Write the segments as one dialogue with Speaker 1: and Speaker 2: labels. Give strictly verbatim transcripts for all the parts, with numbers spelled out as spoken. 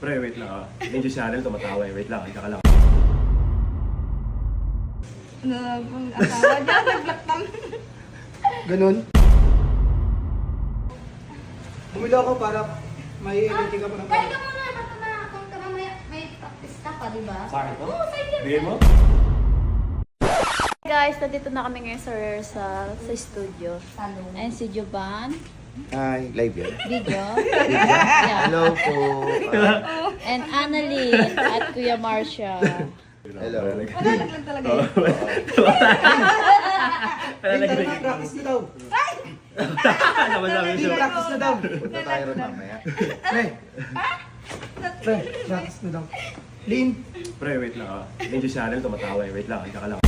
Speaker 1: Pre, wait lang ah. Medyo channel tumatawa eh. Wait lang, ika ka lang.
Speaker 2: Ano pong asawa niya, nag-block lang.
Speaker 3: Ganun. Bumili ako para may energy ka pa ng
Speaker 2: Kaya ka muna, baka na kung ka mamaya may practice ka pa, di ba?
Speaker 1: Sa akin to?
Speaker 2: Oo, sa'yo yan.
Speaker 1: Bigay mo?
Speaker 4: Guys, nandito na kami ngayon sa rehearsal sa studio.
Speaker 2: Salong.
Speaker 4: And si Jovan,
Speaker 5: Hi, live yan.
Speaker 4: video. Yeah.
Speaker 5: Hello po.
Speaker 4: And Annalyn at Kuya Marcia.
Speaker 5: Hello.
Speaker 2: Wala lang talaga
Speaker 1: Oh.
Speaker 2: yun.
Speaker 3: Din, tara na, practice na daw.
Speaker 1: Naman namin
Speaker 3: Din,
Speaker 1: siya.
Speaker 3: practice na daw.
Speaker 5: Punta tayo ron mamaya.
Speaker 3: Pre. Pre, practice na daw. Lin,
Speaker 1: Pre, wait lang ah. Medyo channel tumatawa eh. Wait lang, ika ka lang.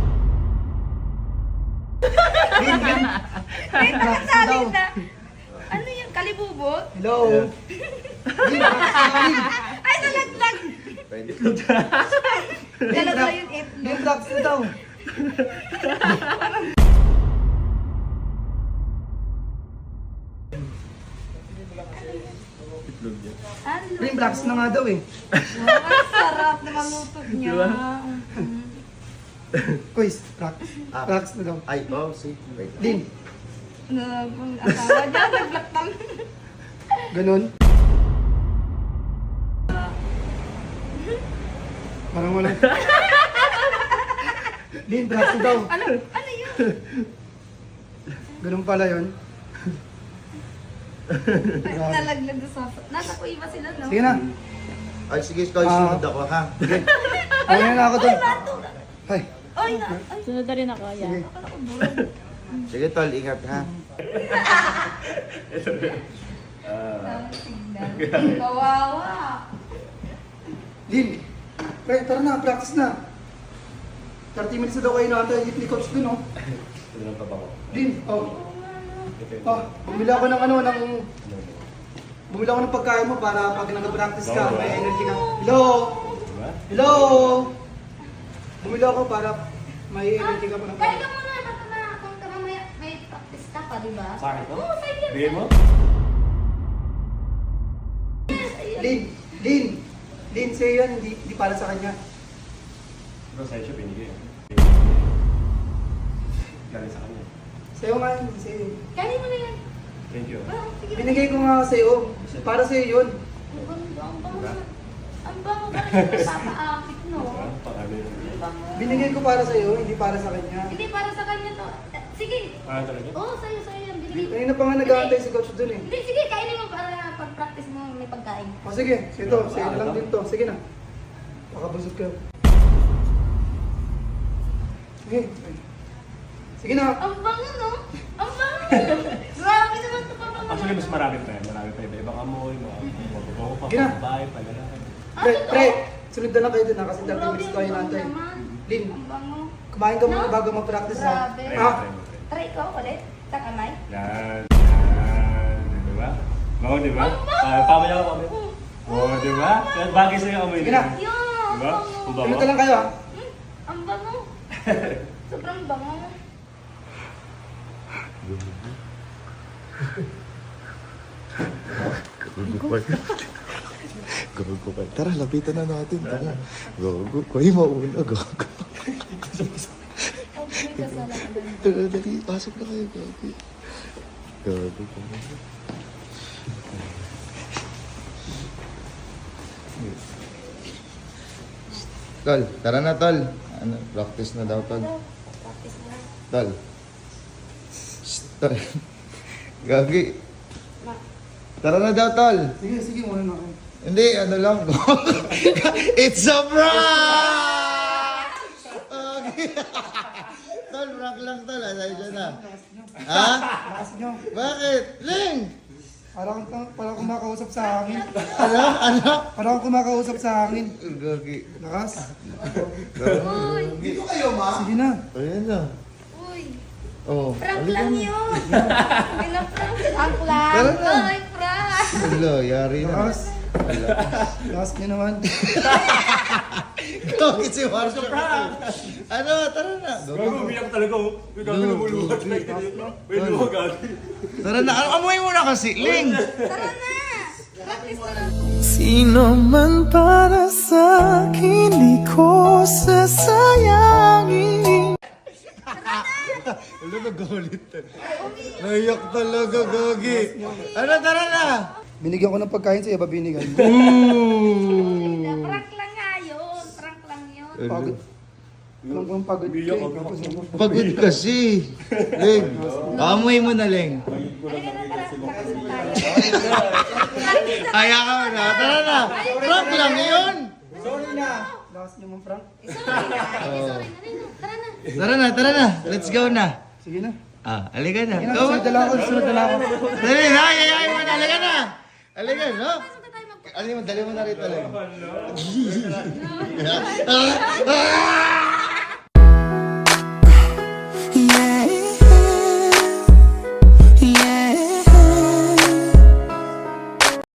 Speaker 3: Lin, Lin. Practice na daw.
Speaker 2: Sabi na, ano yung kalibubot?
Speaker 3: Hello. Lin, practice na daw, Lin.
Speaker 2: Ay, nalaglag!
Speaker 5: Pwede.
Speaker 3: Lin,
Speaker 2: Nalaglag
Speaker 3: prac-
Speaker 2: yung itlog.
Speaker 3: Lin, practice na daw.
Speaker 1: Itlog niya.
Speaker 2: Ano?
Speaker 3: Lin, practice na nga daw eh.
Speaker 2: Ang sarap na malutog niya.
Speaker 1: Diba?
Speaker 3: Quiz, practice.
Speaker 5: Ah.
Speaker 3: Practice na daw.
Speaker 5: Ay, oh, see. Wait.
Speaker 3: Lin,
Speaker 2: Ano pong asawa niya, nag-block lang.
Speaker 3: ganun. Parang wala. Lin, practice daw.
Speaker 2: Ano? Ano yun?
Speaker 3: Ganun pala yun.
Speaker 2: Ay, nalaglag doon sa... Nasa kuiba sila, no?
Speaker 3: Sige na.
Speaker 5: Ay, sige, ikaw,
Speaker 3: Ah.
Speaker 5: sunod ako, ha?
Speaker 3: Ano na ako doon? Ay,
Speaker 2: Ay, na... Ay,
Speaker 4: Sunod na rin ako,
Speaker 3: sige.
Speaker 4: yan.
Speaker 2: akala ko burong.
Speaker 5: Sige, tol, ingat, ha?
Speaker 1: Ah.
Speaker 2: Tingnan. Kawawa.
Speaker 3: Lin, pre, tara na, practice na. thirty minutes na daw kayo natin, hit ni coach dun, oh.
Speaker 1: Ito lang pa ba ko?
Speaker 3: Lin, oh. Oh, bumili ako ng ano, ng... Bumili ako ng pagkain mo para pag nag-practice ka, may energy ka. Hello?
Speaker 1: Diba?
Speaker 3: Hello? Bumili ako para may energy ka pa ng...
Speaker 2: Kaya ka muna, baka na kung ka mamaya may practice ka pa, di ba?
Speaker 1: Sa akin to?
Speaker 2: Oo, sa'yo yan.
Speaker 1: Bigay mo?
Speaker 3: Lin, Lin, Lin, sa'yo yan, hindi, hindi para sa kanya.
Speaker 1: Pero sa'yo siya binigay. Galing sa kanya.
Speaker 3: Sa'yo nga yun, hindi sa'yo.
Speaker 2: Kaya mo na yan.
Speaker 1: Thank you.
Speaker 2: Ah, sige.
Speaker 3: Binigay ko nga sa'yo, para sa'yo yun.
Speaker 2: Ang bango, ang bango. Ang bango ba rin papaakit, no?
Speaker 1: Diba? Pakali yun.
Speaker 2: Ang bango.
Speaker 3: Binigay ko para sa'yo, hindi para sa kanya.
Speaker 2: Hindi, para sa kanya to. Eh, Sige.
Speaker 1: Ah, talaga?
Speaker 2: Oo, sa'yo, sa'yo yan. Binigay.
Speaker 3: Kanina pa nga nag-aantay si coach dun eh.
Speaker 2: Hindi, sige, kainin mo para pag-practice mo may pagkain.
Speaker 3: O sige, ito, sa'yo na lang din to. Sige na. Makabusog ka. Sige. Sige na.
Speaker 2: Ang bango, no? Ang bango. Grabe naman ito pa bango.
Speaker 1: Actually, mas marami pa yan. Marami pa iba-ibang amoy, mga mababaho pa,
Speaker 3: Gina.
Speaker 1: babae, paglalaki.
Speaker 3: Pre,
Speaker 2: Ano to?
Speaker 3: pre, sunod na lang kayo dun ha, kasi thirty
Speaker 2: Grabe
Speaker 3: minutes
Speaker 2: yung
Speaker 3: tayo
Speaker 2: bango
Speaker 3: natin.
Speaker 2: naman.
Speaker 3: Lin,
Speaker 2: Ang bango.
Speaker 3: kumain ka muna
Speaker 2: No?
Speaker 3: bago mag-practice ha.
Speaker 2: Grabe.
Speaker 3: Ha?
Speaker 2: Try ko ulit. Sa kamay.
Speaker 1: Yan, yan. Di ba? Bango, di ba? Ah, pamaya ko, pamaya. Oo, di ba? Kaya bagay sa'yo amoy
Speaker 3: Sige na.
Speaker 1: niya.
Speaker 2: Yun, ang
Speaker 1: Diba?
Speaker 2: bango.
Speaker 1: Ang bango.
Speaker 3: Sunod na lang kayo ha.
Speaker 2: Hmm, ang bango. Sobrang bango.
Speaker 5: Gago pa. Gago pa. Tara, lapitan na natin. Tara. Gago. Kuya, mauna. Gago.
Speaker 2: Ang may kasalanan.
Speaker 5: Tara, dali. Pasok na kayo. Gago. Gago pa. Tol, tara na, tol. Ano, practice na daw, tol.
Speaker 2: Practice na.
Speaker 5: Tol. Shh, tol. Gagi. Tara na daw, tol.
Speaker 3: Sige, sige, muna na kayo.
Speaker 5: Hindi, ano lang. It's a prank! Okay. Tol, prank lang, tol. Asay dyan na. Ha?
Speaker 3: Lakas nyo.
Speaker 5: Bakit? Ling!
Speaker 3: Parang, parang kumakausap sa hangin.
Speaker 5: Ano? Ano?
Speaker 3: Parang kumakausap sa hangin.
Speaker 5: Gagi.
Speaker 3: Lakas.
Speaker 5: Gagi.
Speaker 3: Sige na.
Speaker 5: Ayan na.
Speaker 2: Uy,
Speaker 5: Oh.
Speaker 2: prank
Speaker 5: halika
Speaker 2: lang
Speaker 5: na.
Speaker 2: yun. Pinaprank. Prank lang.
Speaker 5: Tara na.
Speaker 2: Ay, prank.
Speaker 5: Hello, yari na.
Speaker 3: Lakas. Lakas nyo naman.
Speaker 5: Gagi si Marsha. Ano? Tara na.
Speaker 1: Gago, umiyak talaga. oh. May gago lumuluhat. May luha gago.
Speaker 5: Tara na. Ano, amoy mo na kasi. Ling!
Speaker 2: Tara na. Practice na lang.
Speaker 6: Sino man para sa akin, di ko sasayangin.
Speaker 5: Ano nagalit? Naiyak talaga, Gagi. Ano, tara na!
Speaker 3: Binigyan ko ng pagkain sa'yo, ba binigyan?
Speaker 5: Ooh!
Speaker 2: Prank lang nga yun. Prank lang yun.
Speaker 3: Pagod. Alam ko yung pagod ka
Speaker 1: Umiyak
Speaker 3: eh.
Speaker 1: ako.
Speaker 3: Tapos ano?
Speaker 5: Pagod kasi. Leng, amoy mo na, Leng.
Speaker 2: Halika na, tara. Practice na tayo.
Speaker 5: Kaya ka na. Tara na. Prank lang yun.
Speaker 3: Sorry na! Lakas niyo mong prank.
Speaker 2: Eh, sorry na. Eh, sorry na rin. Tara na.
Speaker 5: Tara na, tara na. Let's go na.
Speaker 3: Sige na.
Speaker 5: Ah, alika na.
Speaker 3: Sige na,
Speaker 5: Go.
Speaker 3: sunod na lang ako, sunod na lang ako.
Speaker 5: Dali na, ayayain mo na. Alika na. Alika, no?
Speaker 2: Pasok na tayo mag-
Speaker 5: Alika mo, dali mo na rito, Leng. Ah! Ah!